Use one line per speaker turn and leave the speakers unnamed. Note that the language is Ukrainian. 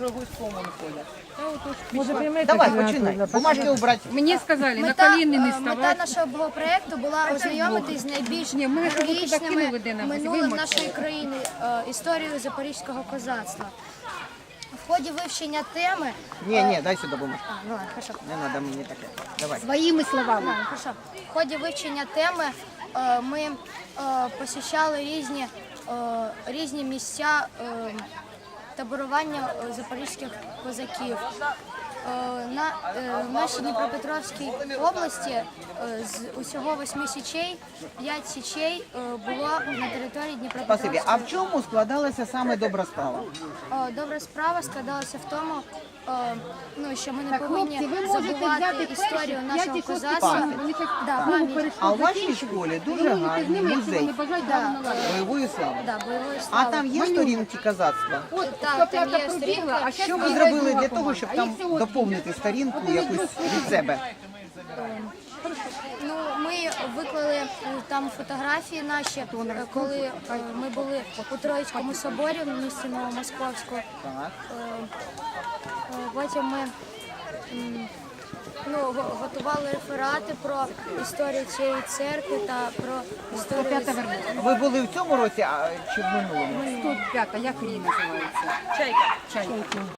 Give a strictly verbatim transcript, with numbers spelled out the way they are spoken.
Рогульському ходять.
Може, приймете
Давай,
гранату
починай.
для
Бумажки убрати.
Мені сказали, на
Мета,
коліни не
е, мета
ставати.
нашого проєкту була ознайомитись з найбільш
Ні, ми щоб ви туди кинули,
героїчними
де нам,
минулим
вимочили.
нашої країни, е, історією запорізького козацтва. В ході вивчення теми...
Ні, ні, дай сюди бумажку.
А, ну ладно, хорошо.
Не треба мені таке. Давай.
Своїми словами.
Ладно, хорошо. В ході вивчення теми е, ми е, посещали різні, е, різні місця е, таборування е, запорізьких козаків. Е, На, е, в нашій Дніпропетровській області е, з усього восьми січей, п'ять січей е, було на території
Спасибі.
Дніпропетровської.
А в чому складалася саме добра справа?
Е, Добра справа складалася в тому, е, ну, що ми не
Так,
повинні
хлопці, ви можете
забувати
взяти
історію
перші
нашого
п'ять і
козацтва.
шості класи. Вони щас
Да,
знову
пам'ять.
перейшли
А у вашій
закінчити.
школі
Ви
дуже
можете з
гарний
ними, якщо
музей
вони бажають,
Да.
право наладити.
бойової слави.
Да, бойової
А
слави.
там є сторінки козацтва?
От,
Так,
сто
там
п'ята
є
пробігла,
сторінка.
а щас
Що ви
бігають
зробили
друга
для того,
команда.
щоб
А
там
їх всього
доповнити сторінку якусь від себе?
Ну, ми виклали е, там фотографії наші, е, коли е, ми були у Троїцькому соборі в місті Новомосковську.
Так.
Е, е, Потім ми м, ну, го- готували реферати про історію цієї церкви та про історію...
Ви були в цьому році а, чи в минулому?
сто п'ята, як рій називається?
Чайка.